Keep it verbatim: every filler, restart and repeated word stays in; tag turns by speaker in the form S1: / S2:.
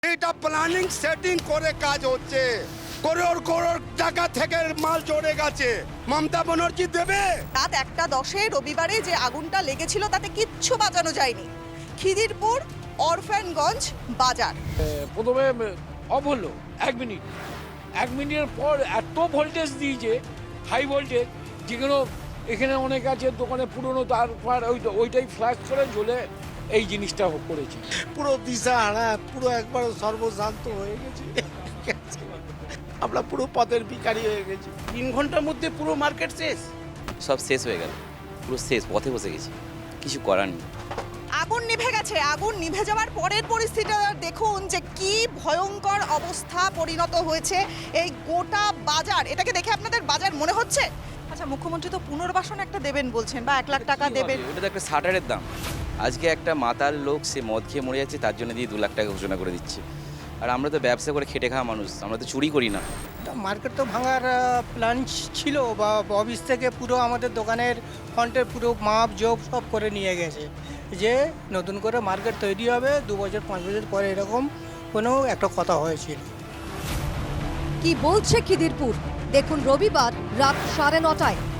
S1: এটা planning setting করে কাজ হচ্ছে, করোড় করোড় টাকা থেকে মাল জড়ে গেছে। মমতা ব্যানার্জি দেবে।
S2: রাত একটা দশে রবিবারে যে আগুনটা লেগেছিল তাতে কিচ্ছু বাঁচানো যায়নি। খিদিরপুর অরফানগঞ্জ বাজার।
S3: প্রথমে অফ হলো এক মিনিট এক মিনিটের পর এত ভোল্টেজ দিয়েছে, হাই ভোল্টেজ, যেগুলো এখানে অনেক আছে দোকানে পুরনো, তারপর ওই ওইটাই ফ্ল্যাশ করে জ্বলে এই জিনিসটা করেছে।
S4: পুরো দিশাহারা, পুরো একবার সর্বশান্ত হয়ে গেছি। আমরা পুরো পথের ভিখারি হয়ে গেছি। তিন ঘন্টার মধ্যে পুরো মার্কেট শেষ।
S5: সব শেষ হয়ে গেল, পুরো শেষ, পথে বসে গেছি, কিছু করার নেই।
S2: আগুন নিভে গেছে। আগুন নিভে যাওয়ার পরের পরিস্থিতিটা দেখুন যে কি ভয়ঙ্কর অবস্থা পরিণত হয়েছে এই গোটা বাজার। এটাকে দেখে আপনাদের বাজার মনে হচ্ছে? আচ্ছা, মুখ্যমন্ত্রী তো পুনর্বাসন একটা দেবেন বলছেন, বা এক লাখ টাকা দেবেন।
S5: ওটা তো একটা শাটারের দাম। আজকে একটা মাতাল লোক, সে মদ খেয়ে মরে যাচ্ছে, তার জন্য দিয়ে দু লাখ টাকা ঘোষণা করে দিচ্ছে। আর আমরা তো ব্যবসা করে খেটে খাওয়া মানুষ, আমরা তো চুরি করি না।
S6: মার্কেট তো ভাঙার প্ল্যান ছিল, বা অফিস থেকে পুরো আমাদের দোকানের ফ্রন্টের পুরো মাপ জোপ সব করে নিয়ে গেছে, যে নতুন করে মার্কেট তৈরি হবে দু বছর পাঁচ বছর পরে, এরকম কোনো একটা কথা হয়েছিল।
S7: কি বলছে খিদিরপুর, দেখুন রবিবার রাত সাড়ে নটায়।